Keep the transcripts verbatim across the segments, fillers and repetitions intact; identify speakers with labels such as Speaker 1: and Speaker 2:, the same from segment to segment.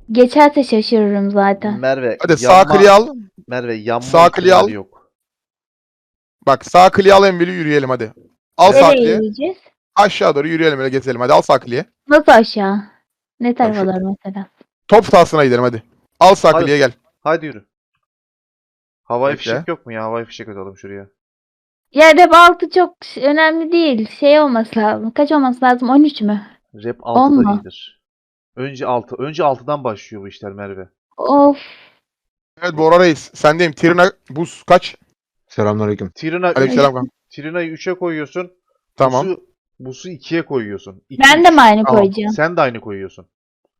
Speaker 1: Geçerse şaşırırım zaten.
Speaker 2: Merve
Speaker 3: Hadi sağ
Speaker 2: yanma,
Speaker 3: kliği al.
Speaker 2: Merve yanma
Speaker 3: Sağ kliği al.
Speaker 2: ihtimali yok.
Speaker 3: Bak sağ kliği al Enveli yürüyelim hadi. Al sağ
Speaker 1: Nereye
Speaker 3: kliği.
Speaker 1: yürüyeceğiz?
Speaker 3: Aşağı doğru yürüyelim öyle gezelim hadi al sağ kliği.
Speaker 1: Nasıl aşağı? Ne tarafa
Speaker 3: şu-
Speaker 1: doğru mesela?
Speaker 3: Top sahasına gidelim hadi. Al sağ
Speaker 2: Hadi.
Speaker 3: kliğe gel.
Speaker 2: Hadi yürü. Havai
Speaker 3: Bekle.
Speaker 2: fişek yok mu ya? Havai fişek atalım şuraya.
Speaker 1: Ya rap altı çok önemli değil. Şey olması lazım. Kaç olması lazım? on üç mü?
Speaker 2: Rap
Speaker 1: On
Speaker 2: altıda
Speaker 1: mu?
Speaker 2: iyidir. Önce altı. Önce altıdan başlıyor bu işler Merve.
Speaker 1: Of.
Speaker 3: Evet Bora Reis sendeyim. Trina buz kaç?
Speaker 4: Selamünaleyküm.
Speaker 2: Trina üç,
Speaker 3: Aleykümselam kanka.
Speaker 2: Trina'yı üçe koyuyorsun.
Speaker 3: Tamam.
Speaker 2: Busu, busu ikiye koyuyorsun. İki,
Speaker 1: Ben de mi aynı
Speaker 3: Tamam.
Speaker 1: koyacağım?
Speaker 2: Sen de aynı koyuyorsun.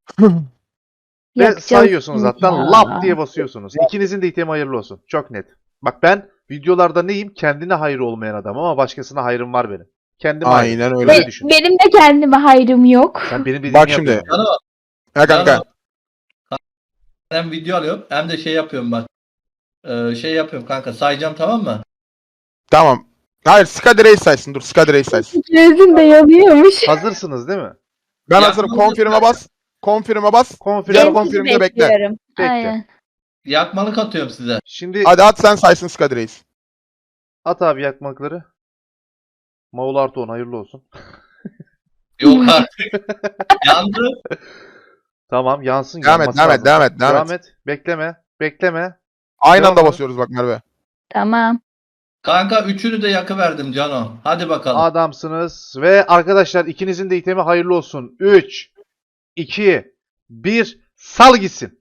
Speaker 2: Ve
Speaker 1: Yakacağız
Speaker 2: sayıyorsunuz
Speaker 1: şimdi
Speaker 2: zaten
Speaker 1: ya.
Speaker 2: lap diye basıyorsunuz. İkinizin de itemi hayırlı olsun. Çok net. Bak ben videolarda neyim? Kendine hayır olmayan adam ama başkasına hayrım var benim. Kendime hayır.
Speaker 3: Aynen öyle.
Speaker 2: Öyle
Speaker 1: Be-
Speaker 2: düşün.
Speaker 1: benim de kendime hayrım yok.
Speaker 2: Sen benim dediğimi
Speaker 3: Bak şimdi.
Speaker 2: yapıyorsun.
Speaker 5: Cano,
Speaker 3: Ha kanka.
Speaker 5: Cano. Hem video alıyorum hem de şey yapıyorum bak. Ee, şey yapıyorum kanka sayacağım tamam mı?
Speaker 3: Tamam. Hayır Skadi Reis saysın dur Skadi Reis saysın.
Speaker 1: Gözüm de yanıyormuş.
Speaker 2: Hazırsınız değil mi?
Speaker 3: Ben
Speaker 5: Ya,
Speaker 3: hazırım.
Speaker 5: bunu-
Speaker 3: Confirm'e bas. Confirm'e bas.
Speaker 2: Konfirm.
Speaker 3: Gel
Speaker 1: Ben
Speaker 3: confirm'de
Speaker 1: sizi
Speaker 3: bekle.
Speaker 1: bekliyorum.
Speaker 2: Bekle.
Speaker 1: Aynen.
Speaker 5: Yakmalık atıyorum size.
Speaker 2: Şimdi
Speaker 3: Hadi at sen saysın Skadi Reis.
Speaker 2: at abi yakmakları. Maul artı on hayırlı olsun.
Speaker 5: Yok artık. Yandı.
Speaker 2: Tamam yansın.
Speaker 3: Devam et,
Speaker 2: yanması
Speaker 3: devam et,
Speaker 2: lazım.
Speaker 3: devam et, devam
Speaker 2: Devam
Speaker 3: et.
Speaker 2: et. Bekleme. Bekleme.
Speaker 3: Aynı
Speaker 2: Devam
Speaker 3: anda
Speaker 2: et.
Speaker 3: basıyoruz bak Merve.
Speaker 1: Tamam.
Speaker 5: Kanka üçünü de yakıverdim Cano. Hadi bakalım.
Speaker 2: Adamsınız. Ve arkadaşlar ikinizin de itemi hayırlı olsun. üç, iki, bir. Sal gitsin.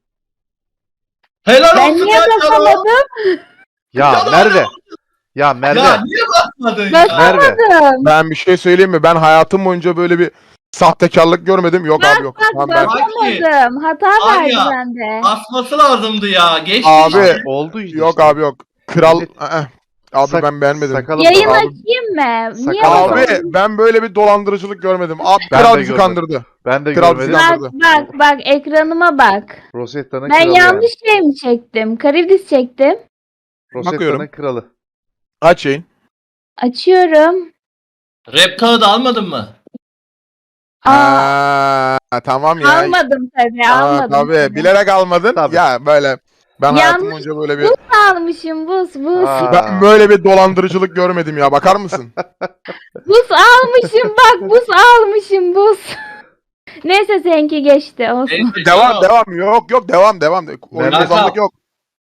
Speaker 5: Helal
Speaker 1: Ben
Speaker 5: olsun
Speaker 1: niye
Speaker 5: lan Cano.
Speaker 1: basamadım?
Speaker 2: Ya
Speaker 5: Canım,
Speaker 2: Merve. Ya Merve.
Speaker 5: Ya niye basmadın ya?
Speaker 1: Bas-
Speaker 2: Merve.
Speaker 3: Ben bir şey söyleyeyim mi? Ben hayatım boyunca böyle bir sahtekarlık görmedim. Yok abi yok.
Speaker 1: Bak
Speaker 3: Tamam, ben...
Speaker 1: basamadım. Hata
Speaker 5: Var
Speaker 1: verdi
Speaker 5: ya.
Speaker 1: bende.
Speaker 5: Basması lazımdı ya. Geçti
Speaker 3: Abi.
Speaker 5: işte.
Speaker 2: Oldu işte.
Speaker 3: Yok abi yok. Kral... Aa, abi
Speaker 2: Sak-
Speaker 3: ben beğenmedim.
Speaker 2: Sakalım
Speaker 1: Yayın
Speaker 2: da-
Speaker 3: Abi-
Speaker 1: açayım mı? Niye
Speaker 2: Sakal-
Speaker 3: Abi
Speaker 1: basamadın?
Speaker 3: ben böyle bir dolandırıcılık görmedim. Abi
Speaker 2: Ben
Speaker 3: kral
Speaker 2: de
Speaker 3: bizi
Speaker 2: görmedim.
Speaker 3: kandırdı.
Speaker 2: Ben de
Speaker 3: Kral
Speaker 2: görmedim.
Speaker 3: Sinan-
Speaker 1: Bak bak bak ekranıma bak.
Speaker 2: Rosetta'nın
Speaker 1: Ben
Speaker 2: kralı
Speaker 1: yanlış
Speaker 2: yani.
Speaker 1: şey mi çektim? Karibdis çektim.
Speaker 2: Rosetta'nın
Speaker 3: Bakıyorum.
Speaker 2: kralı.
Speaker 3: Aç yayın.
Speaker 1: Açıyorum.
Speaker 5: Rap kağıdı almadın mı?
Speaker 1: Aa,
Speaker 3: Aa, tamam ya.
Speaker 1: almadım tabii
Speaker 3: Aa,
Speaker 1: almadım.
Speaker 3: tabii.
Speaker 1: tabii.
Speaker 3: Bilerek almadın.
Speaker 2: Tabii.
Speaker 3: Ya böyle. Ben
Speaker 1: Yanlış
Speaker 3: hayatım boyunca böyle bir...
Speaker 1: Buz almışım buz buz.
Speaker 2: Aa.
Speaker 3: Ben böyle bir dolandırıcılık görmedim ya. Bakar mısın?
Speaker 1: Buz almışım bak buz almışım buz. Neyse seninki geçti olsun.
Speaker 5: Neyse,
Speaker 3: Devam
Speaker 5: Cano.
Speaker 3: devam. Yok yok devam devam. Oyun
Speaker 2: Merhaba.
Speaker 3: bozanlık yok.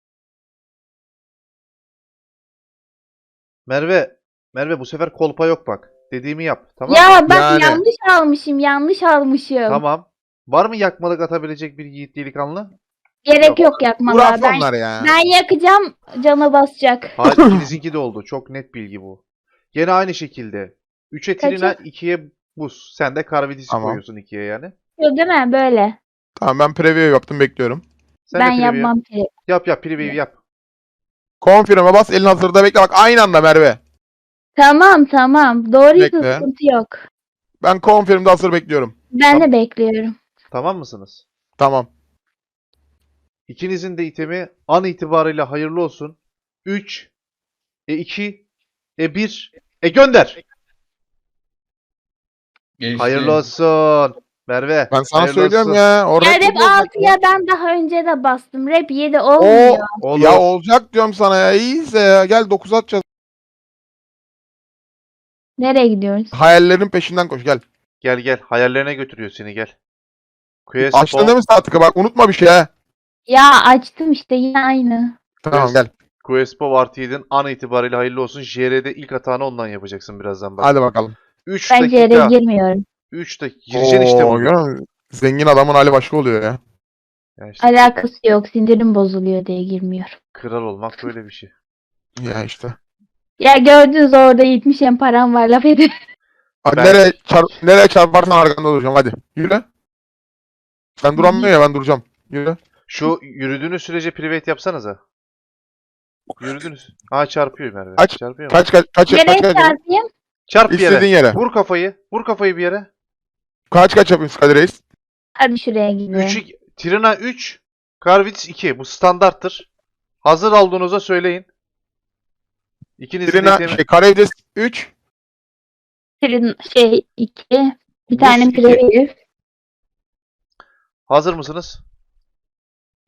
Speaker 2: Merve. Merve bu sefer kolpa yok bak. Dediğimi yap. Tamam mı?
Speaker 1: Ya bak
Speaker 3: Yani.
Speaker 1: yanlış almışım yanlış almışım.
Speaker 2: Tamam. Var mı yakmalık atabilecek bir yiğit delikanlı?
Speaker 1: Gerek
Speaker 2: Yok.
Speaker 1: yok yakmalar.
Speaker 3: Uraf
Speaker 1: Ben,
Speaker 3: onlar ya.
Speaker 1: ben yakacağım cana basacak.
Speaker 2: Hayır ikinizinki de oldu. Çok net bilgi bu. Gene aynı şekilde. üçe
Speaker 1: Kaçı?
Speaker 2: Trina, ikiye buz. Sen de Karvidis'i
Speaker 3: Tamam.
Speaker 2: koyuyorsun ikiye yani.
Speaker 1: Yok değil mi böyle?
Speaker 3: Tamam ben preview yaptım bekliyorum.
Speaker 2: Sen
Speaker 1: Ben
Speaker 2: de preview
Speaker 1: yapmam ki.
Speaker 2: Yap yap preview yap.
Speaker 3: Confirm'e bas elin hazırda bekle bak aynı anda Merve.
Speaker 1: Tamam tamam. Doğruysa
Speaker 3: Bekle.
Speaker 1: sıkıntı yok.
Speaker 3: Ben confirm'de hazır bekliyorum.
Speaker 1: Ben de bekliyorum.
Speaker 2: Tamam mısınız?
Speaker 3: Tamam.
Speaker 2: İkinizin de itemi an itibariyle hayırlı olsun. üç, e iki, e bir, e gönder.
Speaker 5: Geçti.
Speaker 2: Hayırlı olsun. Merve.
Speaker 3: Ben sana
Speaker 2: hayırlı
Speaker 3: söylüyorum
Speaker 2: olsun.
Speaker 3: ya. Orada
Speaker 1: Ya rap altıya ben daha önce de bastım. Rap yedi
Speaker 3: O
Speaker 1: olmuyor.
Speaker 2: Olur.
Speaker 3: ya olacak diyorum sana ya. İyiyse ya. Gel dokuz atacağız.
Speaker 1: Nereye gidiyoruz?
Speaker 3: Hayallerin peşinden koş gel.
Speaker 2: Gel gel. Hayallerine götürüyor seni gel. Quest
Speaker 3: Açtın değil mi saatlik bak unutma bir şey ha.
Speaker 1: Ya açtım işte yine aynı.
Speaker 3: Tamam gel.
Speaker 2: Questpo artı yedin an itibariyle hayırlı olsun. J R'de ilk hatanı ondan yapacaksın birazdan bak.
Speaker 3: Hadi bakalım.
Speaker 2: üç
Speaker 1: Ben
Speaker 2: dakika.
Speaker 1: C'ye girmiyorum.
Speaker 2: üç dakika. Gireceksin işte
Speaker 3: Oo,
Speaker 2: bunu.
Speaker 3: görüyor musun? Zengin adamın hali başka oluyor ya.
Speaker 2: Ya işte
Speaker 1: Alakası yok. Sindirim bozuluyor diye girmiyorum.
Speaker 2: kral olmak böyle bir şey.
Speaker 3: Ya işte.
Speaker 1: Ya gördünüz orada yetmiş en param var laf edin.
Speaker 3: Hadi
Speaker 2: Ben-
Speaker 3: nereye, çar nereye çarparsan arkanda duracağım hadi. Yürü. Sen duramıyor ya ben duracağım. Yürü.
Speaker 2: Şu yürüdüğünüz sürece private yapsanıza. Yürüdünüz. Ha çarpıyor Merve.
Speaker 3: Kaç-
Speaker 2: Çarpıyor mu?
Speaker 3: Kaç kaç kaç kaç
Speaker 1: Nereye
Speaker 3: kaç.
Speaker 1: çarpayım?
Speaker 2: Çarp bir yere.
Speaker 3: İstediğin yere.
Speaker 2: Vur kafayı. Vur kafayı bir yere.
Speaker 3: Kaç kaç yapıyorsun Kadir Reis?
Speaker 1: Hadi şuraya gidiyorum.
Speaker 2: üç, Trina üç. Karvits iki. Bu standarttır. Hazır olduğunuza söyleyin. İkinizin de
Speaker 3: Trina
Speaker 2: itemi-
Speaker 3: şey Karevdes üç.
Speaker 1: Trin şey iki. Bir
Speaker 2: Buz
Speaker 1: tane
Speaker 2: iki.
Speaker 1: preview.
Speaker 2: Hazır mısınız?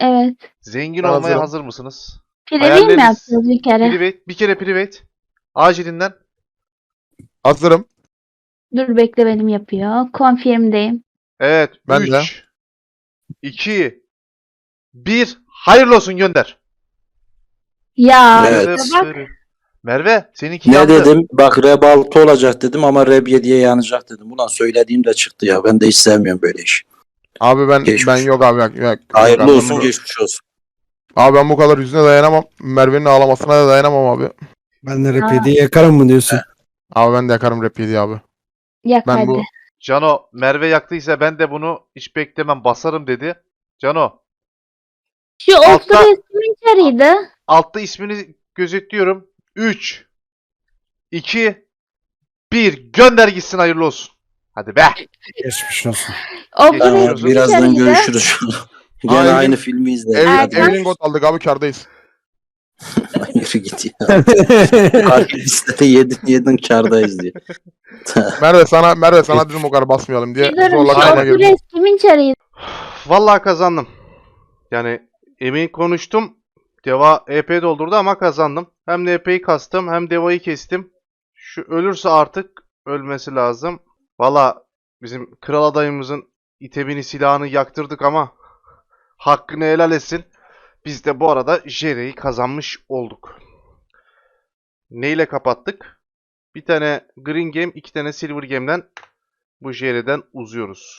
Speaker 1: Evet.
Speaker 2: Zengin
Speaker 3: Ben
Speaker 2: olmaya
Speaker 3: hazırım.
Speaker 2: hazır mısınız?
Speaker 1: Private mi
Speaker 2: Hayalleriniz-
Speaker 1: yapacağız bir kere?
Speaker 2: Private. Bir kere private. Acilinden.
Speaker 3: Hazırım.
Speaker 1: Dur bekle benim yapıyor. Confirm'deyim.
Speaker 2: Evet.
Speaker 3: Ben de.
Speaker 2: üç, iki, bir. Hayırlı olsun, gönder.
Speaker 1: Ya
Speaker 4: Evet.
Speaker 1: işte bak.
Speaker 2: Merve seninki
Speaker 4: Ne
Speaker 2: yandı.
Speaker 4: dedim? Bak Reb altı olacak dedim ama Reb yediye yanacak dedim. Ulan söylediğim de çıktı ya. Ben de hiç sevmiyorum böyle iş.
Speaker 3: Abi ben
Speaker 4: Geçmiş.
Speaker 3: ben yok abi. Yok, yok,
Speaker 4: Hayırlı
Speaker 3: yok abi.
Speaker 4: olsun,
Speaker 3: Ben bu-
Speaker 4: geçmiş olsun.
Speaker 3: Abi ben bu kadar yüzüne dayanamam. Merve'nin ağlamasına da dayanamam abi.
Speaker 6: Ben de
Speaker 1: Aa.
Speaker 6: rap yediği yakarım mı diyorsun?
Speaker 3: Abi ben de yakarım rap yedi abi.
Speaker 1: Yak
Speaker 3: Ben
Speaker 1: hadi.
Speaker 3: bu
Speaker 2: Cano, Merve yaktıysa ben de bunu hiç beklemem, basarım dedi. Cano,
Speaker 1: Şu
Speaker 2: Altta-
Speaker 1: Ultra resmin çarıydı.
Speaker 2: altta ismini gözetliyorum. üç, iki, bir. Gönder gitsin, hayırlı olsun. Hadi be.
Speaker 6: Geçmiş olsun.
Speaker 1: Ultra
Speaker 2: Geçmiş
Speaker 4: Tamam,
Speaker 2: olsun.
Speaker 1: resmin
Speaker 4: birazdan
Speaker 1: çarıydı.
Speaker 4: görüşürüz. Gene
Speaker 3: Aynen.
Speaker 4: aynı filmi izleyelim.
Speaker 3: Ev,
Speaker 4: Hadi.
Speaker 1: Erkan-
Speaker 3: Evelyn Got aldık abi, kardayız.
Speaker 4: Yürü git ya. Kartı listede yedin yedin kardayız diye.
Speaker 3: Merve sana Merve sana dedim o kadar basmayalım diye.
Speaker 1: Bir durun,
Speaker 3: Zorla
Speaker 1: şu
Speaker 3: kayna
Speaker 1: Ultra
Speaker 3: girdim.
Speaker 1: resmin çarıydı.
Speaker 2: Vallahi kazandım. Yani emin konuştum. Deva E P doldurdu ama kazandım. Hem de E P'yi kastım hem Deva'yı kestim. Şu ölürse artık ölmesi lazım. Vallahi bizim kral adayımızın itemini, silahını yaktırdık ama hakkını helal etsin. Biz de bu arada Jere'yi kazanmış olduk. Neyle kapattık? Bir tane Green Game, iki tane Silver Game'den bu Jere'den uzuyoruz.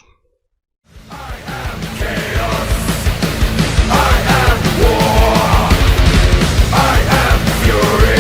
Speaker 7: Fury.